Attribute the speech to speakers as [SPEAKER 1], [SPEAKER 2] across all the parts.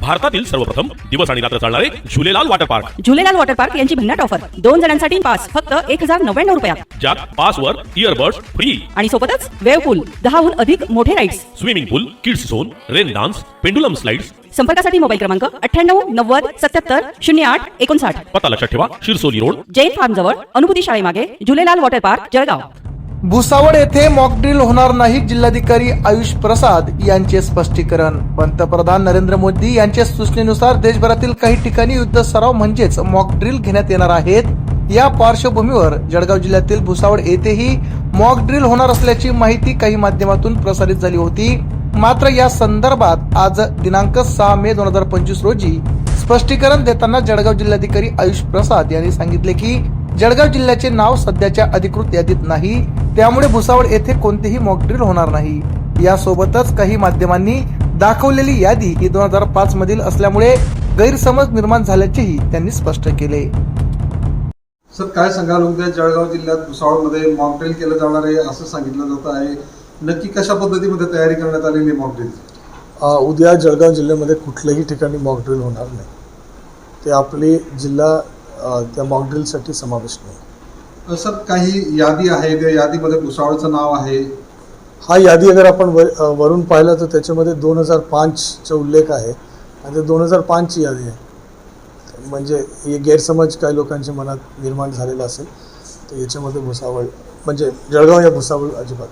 [SPEAKER 1] भारतातील सर्वप्रथम दिवस आणि रात्र चालणारे Jhulelal water park.
[SPEAKER 2] Jhulelal water park यांची भन्नाट ऑफर 2 जणांसाठी पास फक्त 1099 रुपयात.
[SPEAKER 1] ज्यात पासवर इयरबड्स फ्री
[SPEAKER 2] आणि सोबतच वेव्ह पूल, 10हून अधिक मोठे rides,
[SPEAKER 1] swimming pool, kids zone, rain dance, pendulum slides.
[SPEAKER 2] संपर्कासाठी मोबाईल क्रमांक 98 90 77 08 59.
[SPEAKER 1] पत्ता लक्षात ठेवा, शिरसोली रोड,
[SPEAKER 2] जैन फार्म जवळ, अनुभूती शाळेमागे, झुलेलाल वॉटर पार्क, जळगाव.
[SPEAKER 3] भुसावळ येथे मॉकड्रिल होणार नाही. जिल्हाधिकारी आयुष प्रसाद यांचे स्पष्टीकरण. पंतप्रधान नरेंद्र मोदी यांच्या सूचनेनुसार देशभरातील काही ठिकाणी युद्ध सराव म्हणजेच मॉकड्रिल घेण्यात येणार आहेत. या पार्श्वभूमीवर जळगाव जिल्ह्यातील भुसावळ येथेही मॉकड्रिल होणार असल्याची माहिती काही माध्यमातून प्रसारित झाली होती. मात्र या संदर्भात आज दिनांक 6 मे 2025 रोजी स्पष्टीकरण देताना जळगाव जिल्हाधिकारी आयुष प्रसाद यांनी सांगितले की जळगाव जिल्ह्याचे नाव सध्याच्या अधिकृत यादीत नाही, त्यामुळे भुसावळ येथे कोणतेही मॉकड्रिल होणार नाही. यासोबतच काही माध्यमांनी दाखवलेली यादी ही 2005 मधील असल्यामुळे गैरसमज निर्माण झाल्याचेही त्यांनी स्पष्ट केले.
[SPEAKER 4] सर, काय सांगाल? उद्या जळगाव जिल्ह्यात भुसावळमध्ये मॉकड्रिल केलं जाणार आहे असं सांगितलं जात आहे. नक्की कशा पद्धतीमध्ये तयारी करण्यात आलेली मॉकड्रिल?
[SPEAKER 5] उद्या जळगाव जिल्ह्यामध्ये कुठल्याही ठिकाणी मॉकड्रिल होणार नाही. ते आपली जिल्हा त्या मॉकड्रिलसाठी समावेश नाही.
[SPEAKER 4] सर, काही यादी आहे, त्या यादीमध्ये भुसावळचं नाव आहे.
[SPEAKER 5] हा यादी अगर आपण वरून पाहिलं तर त्याच्यामध्ये 2005चा उल्लेख आहे आणि ते 2005ची यादी आहे. म्हणजे हे गैरसमज काही लोकांच्या मनात निर्माण झालेला असेल तर याच्यामध्ये भुसावळ म्हणजे जळगाव या भुसावळ अजिबात.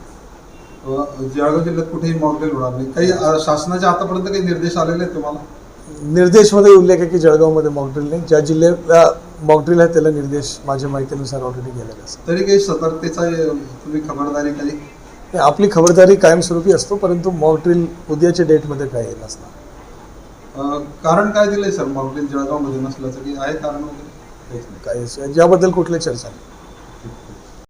[SPEAKER 4] जळगाव जिल्ह्यात कुठेही मॉकड्रिल होणार नाही. काही शासनाचे आतापर्यंत काही निर्देश आलेले आहेत तुम्हाला?
[SPEAKER 5] निर्देशमध्ये उल्लेख आहे की जळगावमध्ये मॉकड्रिल नाही. ज्या जिल्ह्याला मॉकड्रिल आहे त्याला निर्देश माझ्या माहितीनुसार ऑलरेडी गेलेला असेल.
[SPEAKER 4] तरी काही सतर्कतेचा तुम्ही खबरदारी काही?
[SPEAKER 5] आपली खबरदारी कायमस्वरूपी असतो, परंतु मॉकड्रिल उद्याच्या डेटमध्ये काय येईल नसणार.
[SPEAKER 4] कारण काय दिलंय सर मॉकड्रिल जळगावमध्ये नसल्याचं? की आहे कारण वगैरे?
[SPEAKER 5] काही याबद्दल कुठली चर्चा नाही.